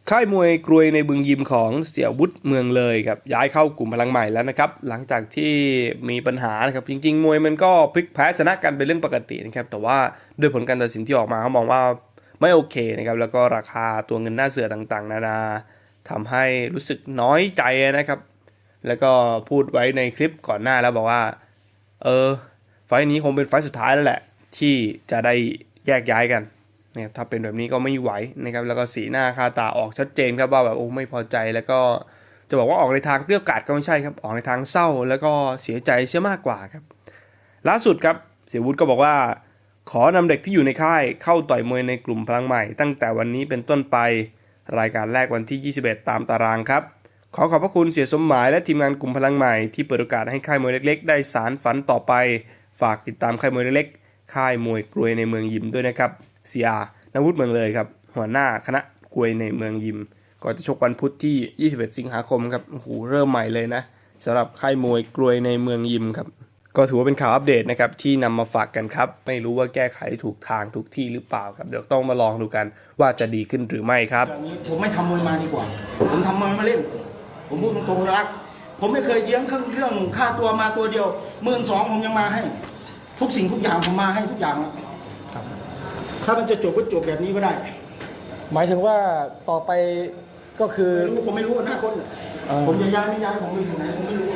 ค่ายมวยกรวยในบึงยิมของเสี่ยวุฒิเมืองเลยครับย้ายเข้ากลุ่มพลังใหม่แล้วนะครับหลังจากที่มีปัญหานะครับจริงๆมวยมันก็พลิกแพ้ชนะกันเป็นเรื่องปกตินะครับแต่ว่าด้วยผลการตัดสินที่ออกมาเขามองว่าไม่โอเคนะครับแล้วก็ราคาตัวเงินหน้าเสือต่างๆนานาทำให้รู้สึกน้อยใจนะครับแล้วก็พูดไว้ในคลิปก่อนหน้าแล้วบอกว่าไฟล์นี้คงเป็นไฟล์สุดท้ายแล้วแหละที่จะได้แยกย้ายกันนะครับถ้าเป็นแบบนี้ก็ไม่ไหวนะครับแล้วก็สีหน้าค่าตาออกชัดเจนครับว่าแบบโอ้ไม่พอใจแล้วก็จะบอกว่าออกในทางเปรี้ยวกราดก็ไม่ใช่ครับออกในทางเศร้าแล้วก็เสียใจเสียมากกว่าครับล่าสุดครับเสี่ยวุฒิก็บอกว่าขอนำเด็กที่อยู่ในค่ายเข้าต่อยมวยในกลุ่มพลังใหม่ตั้งแต่วันนี้เป็นต้นไปรายการแรกวันที่21ตามตารางครับขอบพระคุณเสียสมหมายและทีมงานกลุ่มพลังใหม่ที่เปิดโอกาสให้ค่ายมวยเล็กๆได้สานฝันต่อไปฝากติดตามค่ายมวยเล็กๆค่ายมวยกรวยในเมืองยิมด้วยนะครับเสียนวุฒิเมืองเลยครับหัวหน้าคณะกรวยในเมืองยิมก่อนจะชกวันพุธที่21สิงหาคมครับโอ้โหเริ่มใหม่เลยนะสำหรับค่ายมวยกรวยในเมืองยิมครับก็ถือว่าเป็นข่าวอัปเดตนะครับที่นำมาฝากกันครับไม่รู้ว่าแก้ไขถูกทางถูกที่หรือเปล่าครับเดี๋ยวต้องมาลองดูกันว่าจะดีขึ้นหรือไม่ครับอย่างนี้ผมไม่ทำมวยมาดีกว่าผมทำมวยมาเล่นผมพูดตรงๆรักผมไม่เคยเยื้องเรื่องค่าตัวมาตัวเดียว12,000ผมยังมาให้ทุกสิ่งทุกอย่างผมมาให้ทุกอย่างถ้ามันจะจบก็จบแบบนี้ก็ได้หมายถึงว่าต่อไปก็คือผมไม่รู้อนาคตผมจะย้ายไม่ย้ายผมไปอยู่ไหนผมไม่รู้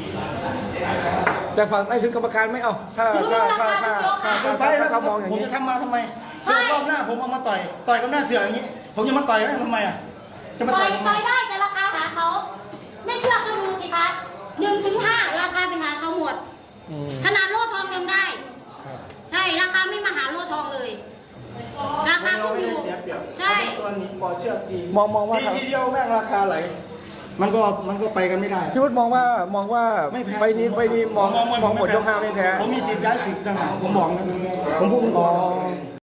แต่ฝั่งในถึงกรรมการไม่เอาถ้าเขามองอย่างนี้ผมจะทำมาทำไมเสือรอบหน้าผมเอามาต่อยกับหน้าเสืออย่างนี้ผมจะมาต่อยได้ทำไมอ่ะจะมาต่อยได้แต่ราคาหาเขาไม่เชื่อก็ดูสิคะ1 ถึง 5ราคาไปหาเขาหมดขนาดโล่ทองยังได้ใช่ราคาไม่มาหาโล่ทองเลยราคาขึ้นอยู่ใช่ตัวนี้ปอเชือกดีมองว่าทีเดียวแม่งราคาไหลมันก็ไปกันไม่ได้พี่วุฒิมองว่าไปนี้มองหมดยกห้าไม่แพ้ผมมีสิทธิ์ย้ายสิทธิ์ต่างหากผมบอกนะผมพูดตรง